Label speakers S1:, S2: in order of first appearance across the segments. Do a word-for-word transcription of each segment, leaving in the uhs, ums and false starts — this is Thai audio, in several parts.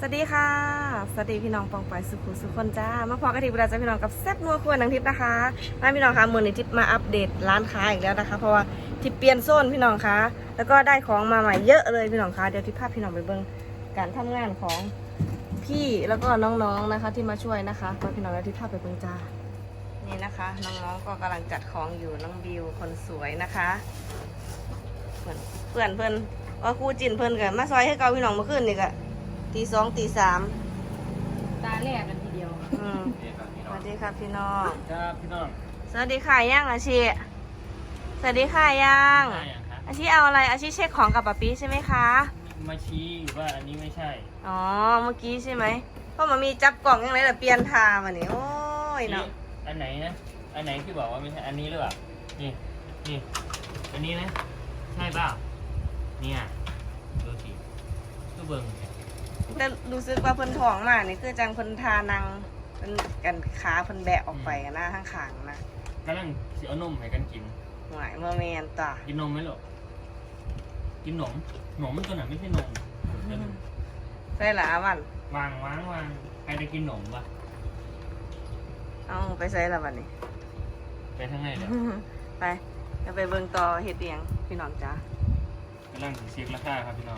S1: วัสดีค่ะสวัสดีพี่น้องปองปอยสุขุสุขคนจ้ามาพอกันทีเวลาจะพี่น้องกับแซ่บนัวครัวนังทิพย์นะคะมาพี่น้องคะมือในทิพย์มาอัปเดตร้านค้าอีกแล้วนะคะเพราะว่าทิพย์เปลี่ยนโซนพี่น้องคะแล้วก็ได้ของมาใหม่เยอะเลยพี่น้องคะเดี๋ยวทิพย์พาพี่น้องไปเบิ่งการทำงานของพี่แล้วก็น้องๆนะคะที่มาช่วยนะคะมาพี่น้องแล้วทิพย์พาไปเบิ่งจ้านี่นะคะน้องๆก็กำลังจัดของอยู่น้องบิวคนสวยนะคะเพื่อนเพื่อนเพื่อนว่าครูจินเพื่อนกันมาซอยให้เกาพี่น้องเมื่อคืนนี่ก็ตีสองตีสาม
S2: ตาแรกกันทีเดียว
S1: อืมสวัสดีครับพี่น้อง
S3: ครับพี่น้อง
S1: สวัสดีค่ะย่างอาชีสวัสดีค่ะย่างอาชีเอาอะไรอาชีเช็คของกับป๊าปี้ใช่ไหมคะ
S3: มาชี้อยู่ว่าอันนี้ไม่ใช่
S1: อ๋อเมื่อกี้ใช่ไหมเพราะมันมีจับกล่องยังไงแต่เปลี่ยนทามาเนี่ยโอ้ยเนาะ
S3: อันไหนนะอันไหนที่บอกว่าไม่ใช่อันนี้หรือเปล่านี่นี่อันนี้นะใช่เปล่าเนี่ยดูสิดูเบิ้ง
S1: แต่รู้สึกว่าเพิ่นท้องมากนี่คือจังเพิ่นทานังเป็นกันขาเพิ่นแบะออกไปหน้าข้างขางนะ
S3: กำลังสิเอานมให้กันกิน
S1: หวายเมื่อเมนต่อ
S3: กินนมไหมลูกกินหนมหนมมันตัวไหนไม่ใช่นม
S1: ใช่หรอวัน
S3: วางวางวางใครจะกินหนมวะ
S1: เอาไปใส่ละวันนี้
S3: ไปทางไหนเดี๋ยว
S1: ไปจะไปเบิ่งต่อเฮ็ดเอียงพี่น้องจ้าก
S3: ำลังเช็คราคาครับพี่น้อง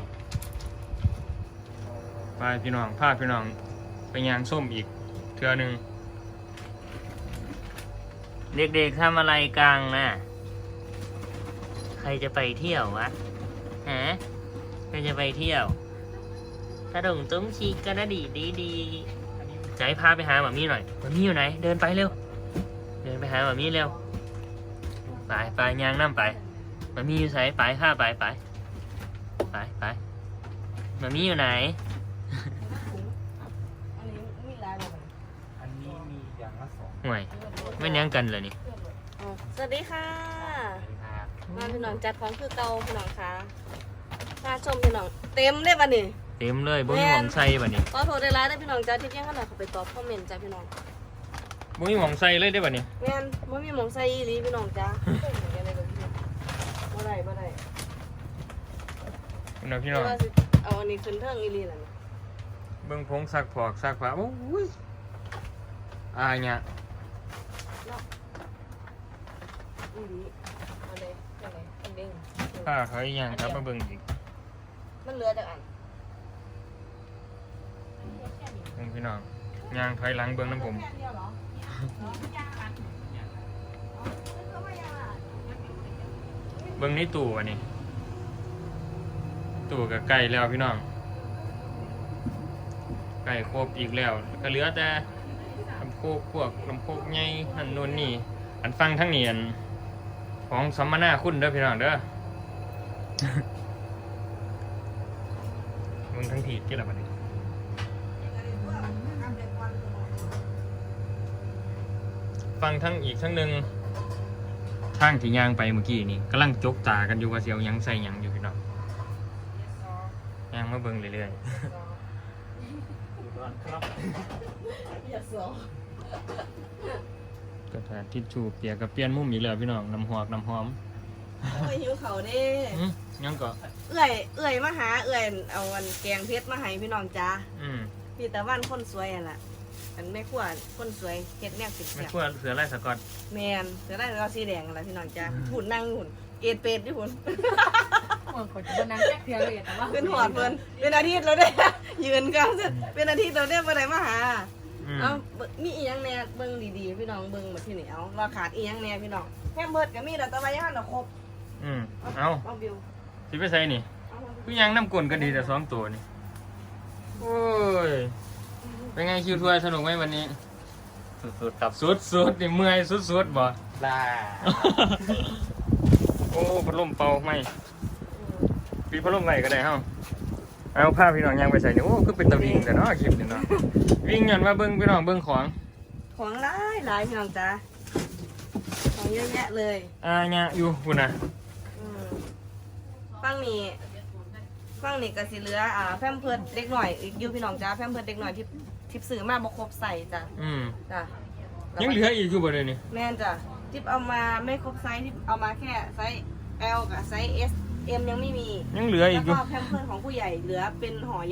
S3: ไปพี่น้องพาพี่น้องไปยางส้มอีกเทื่อหนึ่งเด็กๆทำอะไรกลางนะใครจะไปเที่ยววะฮะใครจะไปเที่ยวกระดงตุ้มชีกระดีดีดีจะให้พาไปหาหมามี่หน่อยหมามี่อยู่ไหนเดินไปเร็วเดินไปหาหมามี่เร็วไปไปยางน้ำไปหมามี่อยู่ไหนไปข้าไปไปไปไปหมามี่อยู่ไหนห่วยไม่เลี้ยงกันเลยนี่
S1: สวัสดีค่ะมาพี่น้องจัดของคือเก่าพี่น้องค่ะมาชมพี่น้องเต็มได้ป่ะนี่
S3: เต็มเลยบุ้ยหมองไส้ป่ะนี่
S1: ขอโทษได้ร้ายได้พี่น้องจ้าที่เที่ยงขนาดเขาไปตอบคอมเมนต์จ้าพี่น้อง
S3: บุ้ยหมองไส้เลยได้ป่ะนี่
S1: แม่นบุ้ยหมองไส้อีหลีพี่น้องจ้าบ่ได้บ่ได้
S3: พี่น้องพี่น้อง
S1: เอาอันนี้ขึ้นเทิงอีหลีนั่น
S3: เบิ่งพงซักผอกซักผ้าโอ้ยอายเนี่ยผ้าเขาอีกอย่างครับมาเบิ่งอีก
S1: มันเหลือจากอัน
S3: เบิ่งพี่น้องยางถอยหลังเบิ่งน้ำผมเบิ่งนี่ตู่อันนี้ตู่กับไก่แล้วพี่น้องไก่ครบอีกแล้วก็เหลือแต่ลำโพกพวกลำโพกใหญ่อันนู้นนี่อันฟังทั้งนี้อันของสัมมนาคุณเด้อพี่น้องเด้อมึงทั้งทีกี่ละบัดนี้ฟังทั้งอีกทั้งหนึ่งทางที่ย่างไปเมื่อกี้นี่กำลังจกตากันอยู่ว่าเสียวยังใส่ยังอยู่พี่น้องย่างมาเบิ่งเรื่อยๆกระถางทิชชู่เปียกกับเปลี่ยนมุมอีกแล้วพี่น้องน้ำหอกน้ำหอม
S1: โอ้ยหิวเขาเด้
S3: ยังก็
S1: เอื่อยเอื่อยมาหาเอื่อยเอาวันแกงเพชรมาให้พี่น้องจ้าพี่ตะวันคนสวยอ่ะล่ะมันไม่ขั้วคนสวยเฮ็ดแนวสิบ
S3: ไม่ขั้วเสือไล่สกอต
S1: แมนเสือไล่เราสีแดงอะไรพี่น้องจ้าหุ่นนั่งหุ่นเกตเป็ดที่หุ่น
S2: หัวขนบนนั้นแค่เพียงเลยแต่ว่า
S1: ขึ้นหอดเพิ่นเป็นอาทิตย์เราได้ยืนกันเป็นอาทิตย์เราได้ไปไหนมาหาเอามีอีหยังแน่เบิ่งดีๆพี่น้องเบิ่งมาที่นี่เอาเราขาดอีหยังแน่พี่น้องแค่เบิดก็มีแต่ตะวันย่านเราครบ
S3: อืมเอาสิไปใส่นี่พี่ยังน้ำกลนก็ดีแต่สองตัวนี่โอ้ยเป็นไงคิวทัวร์สนุกไหมวันนี้
S4: สุดๆครับ
S3: สุดๆนี่เมื่อยสุดๆบ่
S4: ลา
S3: โอ้พัดลมเป่าไม่ปีพัดลมไหนก็ได้เฮ้าเอาผ้าพี่น้องยังไปใส่นี่โอ้คือเป็นตะวิ่งแต่เนาะคลิปนี่เนาะวิ่งย้อนว่าเบิ้งพี่น้องเบิ้งของ
S1: ของหลายหลายพี่น้องจ้าของเยอะแยะเลย
S3: อ่าเนี่ยอยู่คุณนะ
S1: ฟังนี่ฟังนี่ก็สิเหลืออ่าแฟมเพิร์ดเล็กหน่อยอยู่พี่น้องจ้าแฟมเพิร์ดเล็กหน่อยที่ทิปซื้อมาบ่ครบใส่จ้ะ
S3: อืม
S1: จ้ะ
S3: ยังเหลืออีกอยู่บ่เลยนี่
S1: แม่นจ้ะทิปเอามาไม่ครบไซส์ทิปเอามาแค่ไซส์ L กับไซส์ S เอ็มยังไม่มี
S3: ยังเหลืออีก
S1: แล้วก็แพมเพิร์สของผู้ใหญ่เหลือเป็นห่อใหญ่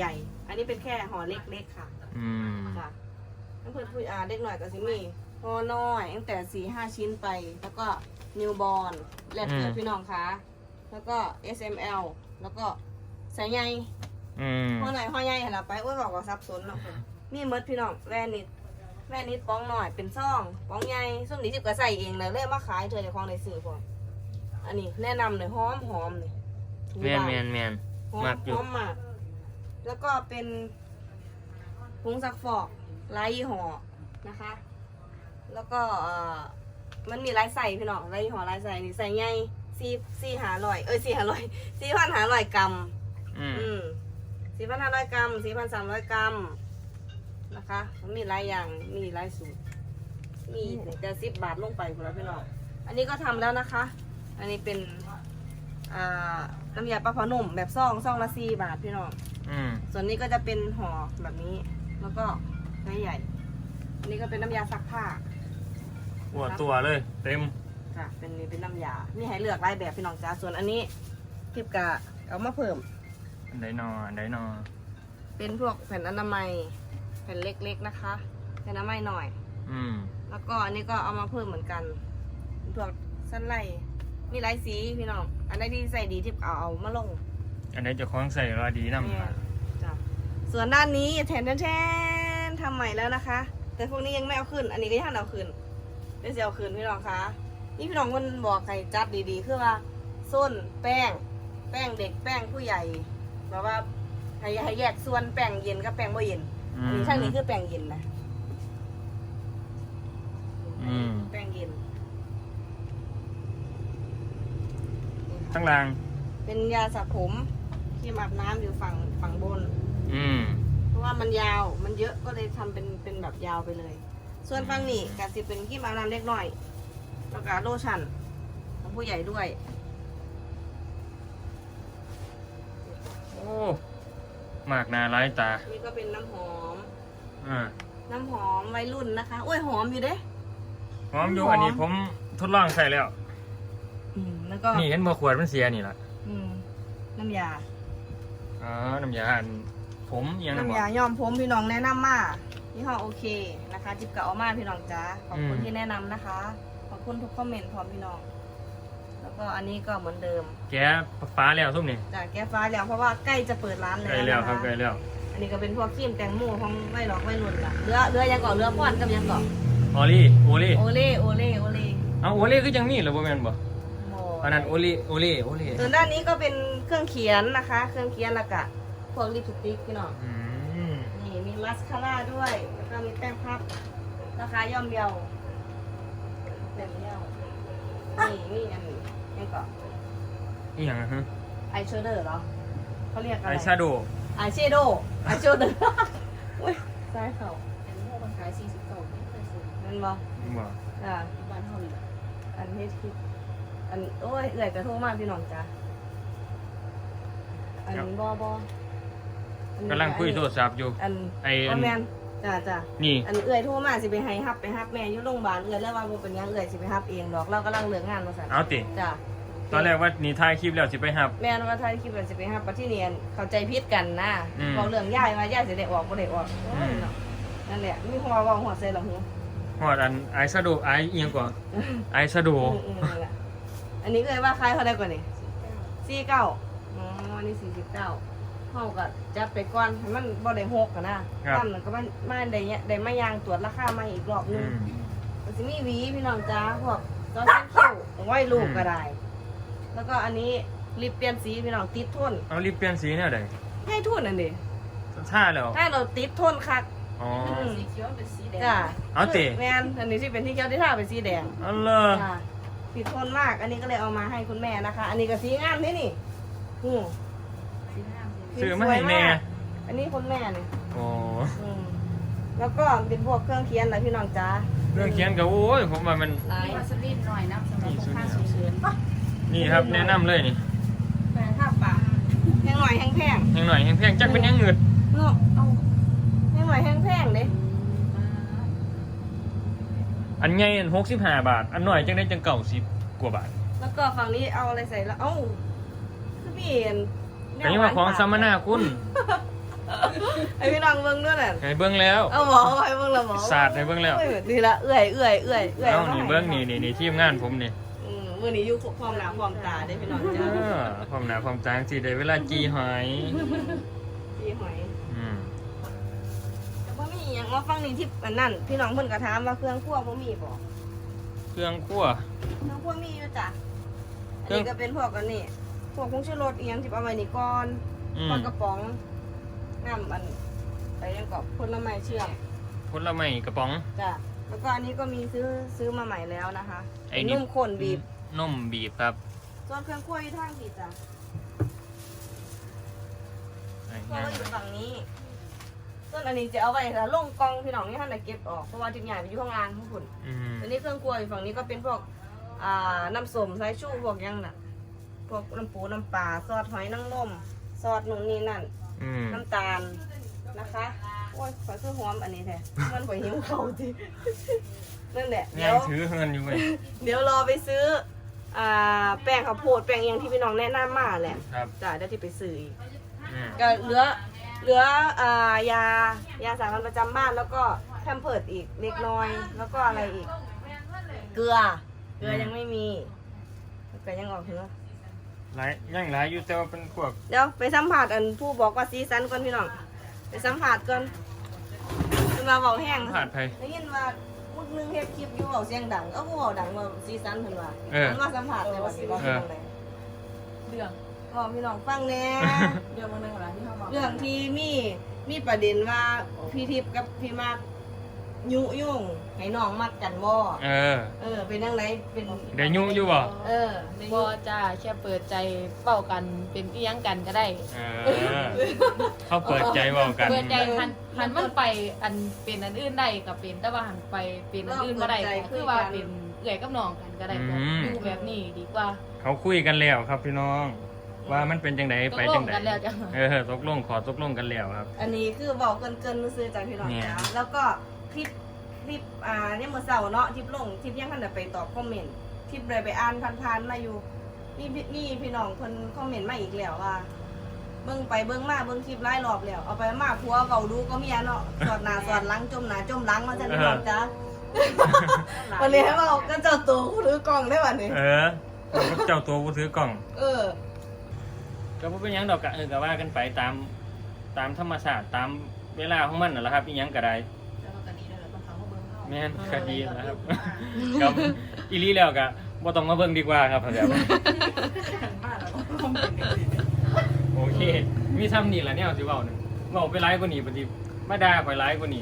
S1: อันนี้เป็นแค่ห่อเล็กๆค่ะ
S3: อืม
S1: ค่ะน้ำเพื่อนผู้อ่าเด็กหน่อยก็สิมีห่อน้อยตั้งแต่สี่ห้าชิ้นไป แล้วก็นิวบอลแลกเกิดพี่น้องคะแล้วก็ เอส เอ็ม แอล แล้วก็สายใย
S3: อืม
S1: ห่อหน่อยห่อใหญ่เห็นละไปอ้วนบอกว่าซับซ้อนเนาะมีเมดพี่น้องแว่นิดแว่นิดป้องหน่อยเป็นซ่องป้องใหญ่ส้มดีจิบก็ใส่เองเลยเลยมาขายเธอในคลองในสื่อพออันนี้แนะนำเลยหอมหอมเลย
S3: แมนแมนแมน
S1: หอม
S3: มักอยู่
S1: หอมมากแล้วก็เป็นผงซักฟอกหลายยี่ห้อนะคะ แล้วก็เอ่อมันมีหลายใส่พี่น้องหลายยี่ห้อหลายใส่นี่ใส่ใหญ่สี่สี่หาร้อยเอ้ยสี่หาร้อยสี่พันหาร้อยกรัม
S3: อืม
S1: อืมสี่พันห้าร้อยกรัมสี่พันสามร้อยกรัมนะคะมันมีหลายอย่างมีหลายสูตรมีแต่สิบบาทลงไปคุณแล้วพี่น้องอันนี้ก็ทำแล้วนะคะ อันนี้เป็นอ่าน้ำยาปลาเผาหนุ่มแบบซองซองละสี่บาทพี่น้อง
S3: อืม
S1: ส่วนนี้ก็จะเป็นห่อแบบนี้ แล้วก็ไซส์ใหญ่ อันนี้ก็เป็นน้ำยาซักผ้า
S3: หัวตัวเลย เต็ม
S1: ค่ะ เป็นนี่เป็นน้ำยา มีให้เลือกหลายแบบพี่น้องจ้าส่วนอันนี้ทิปกะเอามาเพิ่ม
S3: อันไดนออันไดนอ
S1: เป็นพวกแผ่นอนามัย แผ่นเล็กๆนะคะแผ่นอนามัยหน่อย
S3: อืม
S1: แล้วก็อันนี้ก็เอามาเพิ่มเหมือนกันเป็นพวกสั้นไล่มีหลายสีพี่น้อง อันไหนที่ใส่ดีทิปเอาเอามาลง
S3: อันไดจะคล้องใส่รอดีน้ำ
S1: เนี่ยจ้ะส่วนด้านนี้แทนแทนทำใหม่แล้วนะคะ แต่พวกนี้ยังไม่เอาขึ้น อันนี้ก็ยังเอาขึ้นเดี๋ยวจะเอาขึ้นพี่น้องคะนี่พี่น้องมันบอกใครจัดดีๆคือว่าส้นแป้ง แป้งเด็กแป้งผู้ใหญ่แบบว่าให้ให้แยกส่วนแป้งเย็นกับแป้งบ่เย็น อันนี้ช่างนี้คือแป้งเย็นนะ
S3: อืม
S1: แป้งเย็น
S3: ข้างล่าง
S1: เป็นยาสระผมที่อาบน้ำอยู่ฝั่งฝั่งบน
S3: อืม
S1: เพราะว่ามันยาวมันเยอะก็เลยทำเป็นเป็นแบบยาวไปเลย ส่วนฝั่งนี้ก็จะเป็นที่อาบน้ำเล็กน้อยแล้วก็โลชั่นของผู้ใหญ่ด้วย
S3: โอ้มากหนาหลายตา
S1: นี่ก็เป็นน้ำหอม
S3: อ่า
S1: น้ำหอมวัยรุ่นนะคะโอ้ยหอมอยู่เด้
S3: หอมอยู่
S1: หอม
S3: อันนี้ผมทดลองใส่แล้ว
S1: อืมแล้วก็
S3: นี่เห็นเมื่อขวดมันเสียนี่ล่ะ
S1: อืมน้ำยา
S3: อ๋อ น้ำยาอันผมอิหยังนะบอ
S1: น้ำ
S3: ก
S1: ยาย้อมผมพี่น้องแนะนำมายี่ห้อโอเคนะคะ จิบกับเอามาพี่น้องจ้าขอบคุณ
S3: อืม
S1: ที่แนะนำนะคะขอบคุณทุกคอมเมนต์พร้อมพี่น้อง แล้วก็อันนี้ก็เหมือนเดิม
S3: แกฟ้าแล้วซุ่มนี่
S1: จากแก้ฟ้าแล้วเพราะว่าใกล้จะเปิดร้านแล้ว
S3: ใกล้แล้ว
S1: นะะ
S3: ครับใกล้แล้ว
S1: อันนี้ก็เป็นพวกครีมแตงโมของไม่หลอกไม่หลุนล่ะเรือเรือยังเกาะเรือพ่อนกับยังเกาะ
S3: ออลี่โอลี่
S1: โอเล่โอเล่โอเล่
S3: เอาโอลี่ก็ยังมีเหรอบ่แม่นบ่
S1: โม
S3: อันนั้นโอลี่โอลี่โอลี่
S1: ส่วนด้านนี้ก็เป็นเครื่องเขียนนะคะ เครื่องเขียนและกะพวกลิปสติกพี่น้อง
S3: อืม
S1: นี่มีมัสคาร่าด้วย แล้วก็มีแป้งพับ ราคาย่อมเยาแบบเยานี่นี่อันนี้ยังเกาะ
S3: นี่อย่างนะฮะ
S1: ไอแชโดว์เหรอเขาเรียกอะไร
S3: ไอแชโดว์
S1: ไอแชโดว์ไอแชโดว์อุ้ยซ้ายเข่า
S2: อันนี้มันขายสี่สิบเก้าไม่เคยซื้อ
S1: นั่นบ่
S3: บ่
S1: อ่า
S2: ที่บ้านเท่านี้แหละ
S1: อันนี้คิดอันโอ้ยเอื่อยกระโทษมากพี่น้องจ้าอันบอบอัน
S3: กำลังคุยโทรศัพท์อยู่
S1: อัน
S3: ไอ้
S1: อั
S3: อั
S1: น
S3: น
S1: แมนจ้าจ้า
S3: นี่
S1: อันเอื่อยโทรมาสิไปให้ฮับไปฮับแม่อยู่โรงพยาบาลเอื่อยแล้วว่าบ่เป็นหยังเอื่อยสิไปฮับเองดอกเรากำลังเลิกงานมาสั่น
S3: เอาติ
S1: จ้า
S3: ตอนแรกว่านี่ถ่ายคลิปแล้วสิไปหับ
S1: แม่นว่าท้ายคลิปว่าสิไปฮับปะที่เนียนเข้าใจผิดกันนะ
S3: อืม
S1: บอกเรื่องย่ายว่าย่ายสิได้ออกบ่ได้ออกโอ้ย
S3: อืม
S1: เนาะนั่นแหละมีหัวเว้าหัวใส่หลังหู
S3: ฮอดอันไอแชโดว์ไอเอียงกว่าไอแชโดว์
S1: อืมอืมนั่นแหละอันนี้เอื่อยว่าคล้ายเท่าใดกว่านี่
S2: สี่เก้า
S1: สี่เก้าอ๋ออันนี้สี่สิบเก้าเท่ากับจัดไปก่อนให้มันบ่ได้หกกันนะตั้มมันก็มันมาได้เนี่ยได้มายางตรวจราคามาอีกรอบนึ
S3: อื
S1: ง
S3: ม
S1: มันจะมีหวีพี่น้องจ้าพวกตอนเส้นคิ้วไว้ลูกก็ได้ แล้วก็อันนี้ลิปเปลี่ยนสีพี่น้องติดทน
S3: เอารีบเปลี่ยนสีแนวใด
S1: ให้ทุนนั่นดิ
S3: ท่าแล้ว
S1: ถ้าเราติดทนคัก
S3: อ๋อ
S1: ม
S2: สีเขียวเป็นสีแดง
S1: จ้า
S3: เอาติ
S1: แมนอันนี้ที่เป็นที่เขียวที่ท่าเป็นสีแดง
S3: เอาเลย
S1: จ้าติดทนมาก อันนี้ก็เลยเอามาให้คุณแม่นะคะ อันนี้ก็สีงามนี่นี่อืม
S2: สีห้ามสี
S3: ซื้อมาให้แม่
S1: อันนี้คุณแม่เนี่ย
S3: โอ้
S1: อืมแล้วก็เป็นพวกเครื่องเคียนอะไรพี่น้องจ้า
S3: เรื่องเขียนก็โอ้ยผมว่ามัน
S1: หลาย
S2: มีวาสลีนหน่อยน้ำสำหรับพวกข้าสูงเชิญ
S3: นี่ครับแนะนำเลยนี่
S1: แปลท่าปากแห้งหน่อยแห้งแพง
S3: แพงหน่อยแพงๆจักเป็นยังเงืด
S1: เนาะเอาแห้งหน่อยแห้งแพงเด้
S3: อันใหญ่อันหกสิบห้าบาท อันหน่อยจังได้จังเก่าสิบกว่าบาท
S1: แล้วก็ฝั่งนี้เอาอะไรใส่แล้วเอ้าคือพี่เห็น
S3: อันนี้ว่าของสัมมนาคุณ
S1: ไอพี่น้องเบิ่งด้วยน่ะ
S3: ให้เบิ้งแล้ว
S1: เอาหมอไว้เบิ่งละหมอ
S3: ศาสตร์ให้เบิ้งแล้ว
S1: เอ้ยนี่ละเอื้อยเอื้อยเอื้อยเอื้อย
S3: เอ้านี่เบิ้งนี่นี่นี่ทีมงานผมนี่
S1: อืมมื้อนี้อยู่พร้อมหน้าพร้อมตาได้พี่น้อง
S3: เอ
S1: จ้า
S3: อความหนาความจางสิได้เวลาจีหอย
S1: พี่หอย
S3: อืม
S1: แต่บ่มีหยังมาฟังนี่ที่อันนั้นพี่น้องเพิ่นก็ถามว่าเครื่องครัวบ่มีบ่
S3: เครื่องคั่ว
S1: เครื่องครัวมีอยู่จ้ะ
S3: เค
S1: อัน
S3: รื่อง
S1: นี้ก็เป็นพวกอันนี้พวกผงชูรสอีหยังที่เอาไว้นี่ก่อน
S3: อื
S1: ปลา
S3: ม
S1: กระป๋องน้ำอันไปยังกับผลไม้เชื่อม
S3: ผลไม้กระป๋อง
S1: จ้ะแล้วก็อันนี้ก็มีซื้อซื้อมาใหม่แล้วนะคะ
S3: ไอ้นี่
S1: นุ่มข้นบีบ
S3: นมบีบครับ
S1: ส่วนเครื่องคั่วอยู่ทางผิดจ้ะ
S3: ไอ้
S1: คั่ว
S3: ย่าง
S1: ก็อยู่ฝั่งนี้ส่วนอันนี้จะเอาไว้ค่ะลงกองพี่น้องนี่ท่านไหนเก็บออกเพราะว่าทิ้งใหญ่ไปอยู่ข้างล่างข้างบน
S3: อืม
S1: อันนี้เครื่องคั่วอยู่ฝั่งนี้ก็เป็นพวกอ่าน้ำส้มสายชูพวกหยังน่ะพวกน้ำปูน้ำปลาซอสหอยนางรมซอสนู่นนี่นั่น
S3: อืม
S1: น้ำตาลนะคะโอ้ยขอซื้อหอมอันนี้แท้มันขอยหิวเขาจริงนั่นแหละเดี๋
S3: ยั
S1: ย
S3: ง
S1: ว
S3: ถือเงินอยู่เว้ย
S1: เดี๋ยวรอไปซื้ออ่าแป้งข้าวโพดแป้งเอียงที่พี่น้องแนะนำมาแหละ
S3: ครับ
S1: จ้ะเดี๋ยวที่ไปซื้ออีก
S3: อืม
S1: ก็เหลือเหลืออ่ายายาสามัญประจำบ้านแล้วก็แพมเพิร์ดอีกเล็กน้อย แล้วก็อะไรอีก เกลือ เกลือยังไม่มีเกลือยังออกถึง
S3: หลายยังหลายอยู่แต่ว่าเป็นพวก
S1: เดี๋ยวไปสัมผัสอันผู้บอกว่าซีซันก่อนพี่น้องไปสัมผัสก่อนคือมาเบาแห้ง
S3: ผ่านไป
S1: ได้ยินว่ามุดนึงเฮ็ดคลิปอยู่เบาเสียงดังเอ้าผู้เบาดังว่าซีซันเพิ่นว่า
S3: เออ
S1: มันมาสัมผัสในวันนี้ว่าเป็นจังได
S2: เรื่อง
S1: บอกพี่น้องฟังแหน่
S2: เรื่องวันหนึงเหรอที่เขาบอก
S1: เรื่องที่มีมีประเด็นว่าพี่ทิพย์กับพี่มากยุยุ่งให้น้องมักกันบ่
S3: เออ
S1: เออเป็นจังไดเป็น
S3: เดี๋ยวยุ่งอยู่บ่
S1: เออได้
S2: บ
S1: ยุ
S2: อจ้าแค่เปิดใจเป้ากันเป็นเอียงกันก็ได้
S3: เออ เขาเปิดใจเว่ากัน
S2: เปิดใจหันหันมันไปอันเป็นอันอื่นได้กับเป็นแต่ว่าหันไปเป็นอันอื่นก็ได้ก็คือว่าเป็นเอื่อยกับน้องกันก็ได้แบบอยู่แบบนี้ดีกว่า
S3: เขาคุยกันแล้วครับพี่น้อง ว่ามันเป็นจังไดไปจังได
S2: ตกลงกันแล้วจ้ะ
S3: เออตกลงขอตกลงกันแล้วครับ
S1: อันนี้คือบอกเกินๆซื้อๆจากพี่น้อง
S3: เนี่ย
S1: จ้าแล้วก็คลิปคลิปอ่าเนี่ยเมื่อเช้าเนาะคลิปลงคลิปยังทันได้ไปตอบคอมเมนต์คลิปเลยไปอ่านผ่านๆมาอยู่นี่พี่นี่พี่น้องเพิ่นคอมเมนต์มาอีกแล้วว่า เบิ่งไปเบิ่งมาเบิ่งคลิปหลายรอบแล้วเอาไปมาผัวเว้าดูก็เมียเนาะสอดหน้าสอดหลังจมหน้าจมหลังมาจังพี่น้องจ้า วันนี้ให้เว้าก็เจ้าตัวผู้ถือกล้องได้วันนี้
S3: เออเจ้าตัวผู้ถือกล่อง
S1: เออ
S3: ก็บ่เป็นหยังดอกกะเออก็ว่ากันไปตามตามธรรมชาติตามเวลาของมันน่ะแหละครับอีหยังก็ได้แม่นก็ดีนะครับ กับอีหลีแล้วก็บ่ต้องมาเบิ่งดีกว่าครับเดี๋ยวโอเค มีซ้ำนี่ล่ะแนวสิเว้านึงเว้าไปหลายกว่านี้ปฏิมาด่าข่อยหลายกว่านี้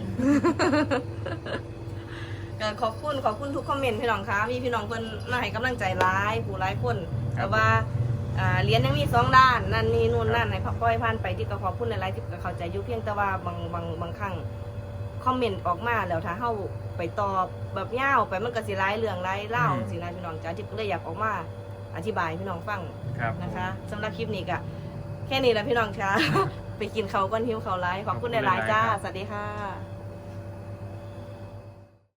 S1: ก็ขอบคุณขอบคุณทุกคอมเมนต์พี่น้องคะมีพี่น้องเพิ่นมาให้กำลังใจร้ายผู้ร้ายคนแต่ว่าอ่าเรียนยังมีสองด้านนั่นนี่นู่นนั่นให้พ่อยผ่านไปที่ก็ขอบคุณหลายๆที่ก็เข้าใจอยู่เพียงแต่ว่าบางบางบางครั้งคอมเมนต์ออกมาแล้วถ้าเฮาไปตอบแบบยาวไปมันก็สิร้ายเรื่องร้ายเล่าสินะพี่น้องจ้าที่เลยอยากออกมาอธิบายให้พี่น้องฟัง
S3: ครับ
S1: นะคะสำหรับคลิปนี้ก็แค่นี้แหละพี่น้องคะ ไปกินเขาวก้อนหิวเขาวไลายขอบคุณหลายๆจ้า สวัสดีค่ะ